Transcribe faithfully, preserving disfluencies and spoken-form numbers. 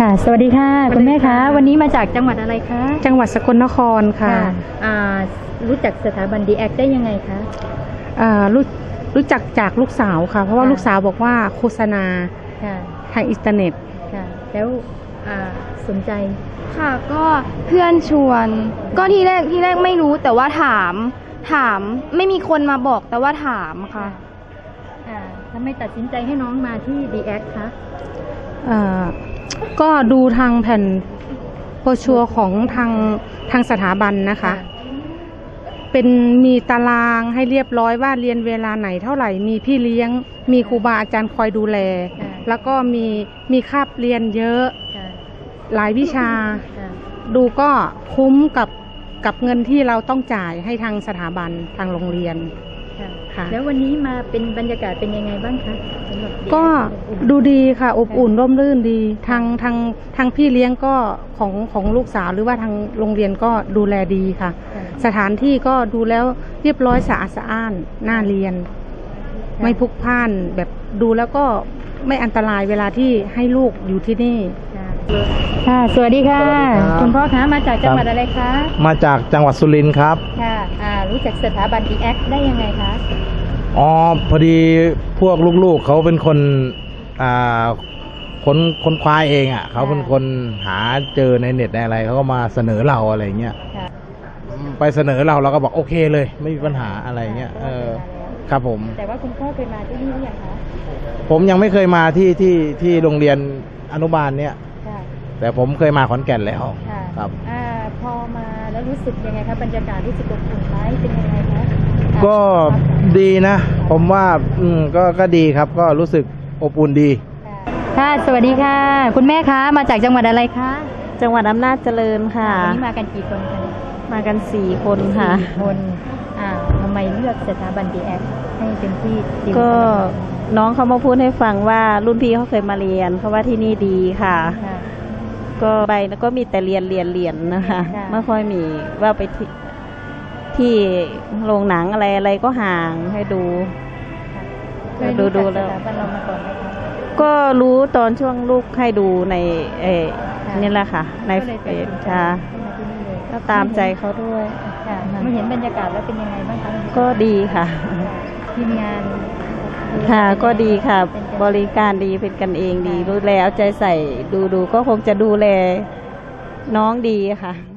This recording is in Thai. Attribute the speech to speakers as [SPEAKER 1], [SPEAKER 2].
[SPEAKER 1] ค่ะสวัสดีค่ะคุณแม่คะวันนี้มาจากจังหวัดอะไรคะ
[SPEAKER 2] จังหวัดสกลนครค่ะ
[SPEAKER 1] อ่ารู้จักสถาบัน ดี แอค ได้ยังไงคะ
[SPEAKER 2] อ่ารู้รู้จักจากลูกสาวค่ะเพราะว่าลูกสาวบอกว่าโฆษณาทางอินเทอร์เน็ต
[SPEAKER 1] ค่ะแล้วสนใจ
[SPEAKER 3] ค่ะก็เพื่อนชวนก็ที่แรกที่แรกไม่รู้แต่ว่าถามถามไม่มีคนมาบอกแต่ว่าถามค่ะ
[SPEAKER 1] อ่าทำไมตัดสินใจให้น้องมาที่ ดี แอค คะ
[SPEAKER 2] อ่าก็ดูทางแผ่นโบรชัวร์ของทางทางสถาบันนะคะเป็นมีตารางให้เรียบร้อยว่าเรียนเวลาไหนเท่าไหร่มีพี่เลี้ยงมีครูบาอาจารย์คอยดูแลแล้วก็มีมีคาบเรียนเยอะหลายวิชาดูก็คุ้มกับกับเงินที่เราต้องจ่ายให้ทางสถาบันทางโรงเรียน
[SPEAKER 1] ค่ะแล้ววันนี้มาเป็นบรรยากาศเป็นยังไงบ้างคะ
[SPEAKER 2] ก็ดูดีค่ะอบอุ่นร่มรื่นดีทางทางทางพี่เลี้ยงก็ของของลูกสาวหรือว่าทางโรงเรียนก็ดูแลดีค่ะสถานที่ก็ดูแล้วเรียบร้อยสะอาดสะอ้านน่าเรียนไม่พลุกพล่านแบบดูแล้วก็ไม่อันตรายเวลาที่ให้ลูกอยู่ที่นี่
[SPEAKER 1] ค่ะสวัสดีค่ะคุณพ่อคะมาจากจังหวัดอะไรคะ
[SPEAKER 4] มาจากจังหวัดสุรินทร์ครับ
[SPEAKER 1] ค่ะอ่ารู้จักสถาบัน ดี แอค ได้ยังไงคะ
[SPEAKER 4] อ๋อพอดีพวกลูกๆเขาเป็นคนอ่าคนคนคว้าเองอ่ะเขาเป็นคนหาเจอในเน็ตในอะไรเขาก็มาเสนอเราอะไรเงี้ยไปเสนอเราเราก็บอกโอเคเลยไม่มีปัญหาอะไรเงี้ยเออครับผม
[SPEAKER 1] แต่ว่าคุณพ่อเคยมาที่นี่หรือยังคะ
[SPEAKER 4] ผมยังไม่เคยมาที่ที่ที่โรงเรียนอนุบาลเนี้ยแต่ผมเคยมาขอนแก่นแล้วครับ
[SPEAKER 1] อ่าพอมาแล้วรู้สึกยังไงครับบรรยากาศรู้สึกอบอุ่นไหมเป็นยังไงคะ
[SPEAKER 4] ก็ดีนะผมว่าอืมก็ก็ดีครับก็รู้สึกอบอุ่นดี
[SPEAKER 1] ค่ะสวัสดีค่ะคุณแม่คะมาจากจังหวัดอะไรคะ
[SPEAKER 5] จังหวัดอำนาจเจริญค่ะ
[SPEAKER 1] วันนี้มากันกี่คนคะ
[SPEAKER 5] มากันสี่คนค่ะ
[SPEAKER 1] สี่คนอ่าทำไมเลือกสถาบัน ดี แอค ให้เป็นที่
[SPEAKER 5] ก็น้องเขามาพูดให้ฟังว่ารุ่นพี่เขาเคยมาเรียนเขาว่าที่นี่ดีค่ะก็ไปแล้วก็มีแต่เรียนเรียนเรียนนะคะไม่ค่อยมีว่าไปที่ที่โรงหนังอะไรอะไรก็ห่างให้ดู
[SPEAKER 1] ดูดูแล้ว
[SPEAKER 5] ก็รู้ตอนช่วงลูกให้ดูในเอนี่แหละค่ะในเฟซค่ะก็ตามใจเขาด้วย
[SPEAKER 1] มาเห็นบรรยากาศแล้วเป็นยังไงบ้างคะ
[SPEAKER 5] ก็ดีค่ะ
[SPEAKER 1] ทีมงาน
[SPEAKER 5] ค่ะก็ดีค่ะบริการดีเป็นกันเองดีดูแลเอาใจใส่ดูดูก็คงจะดูแลน้องดีค่ะ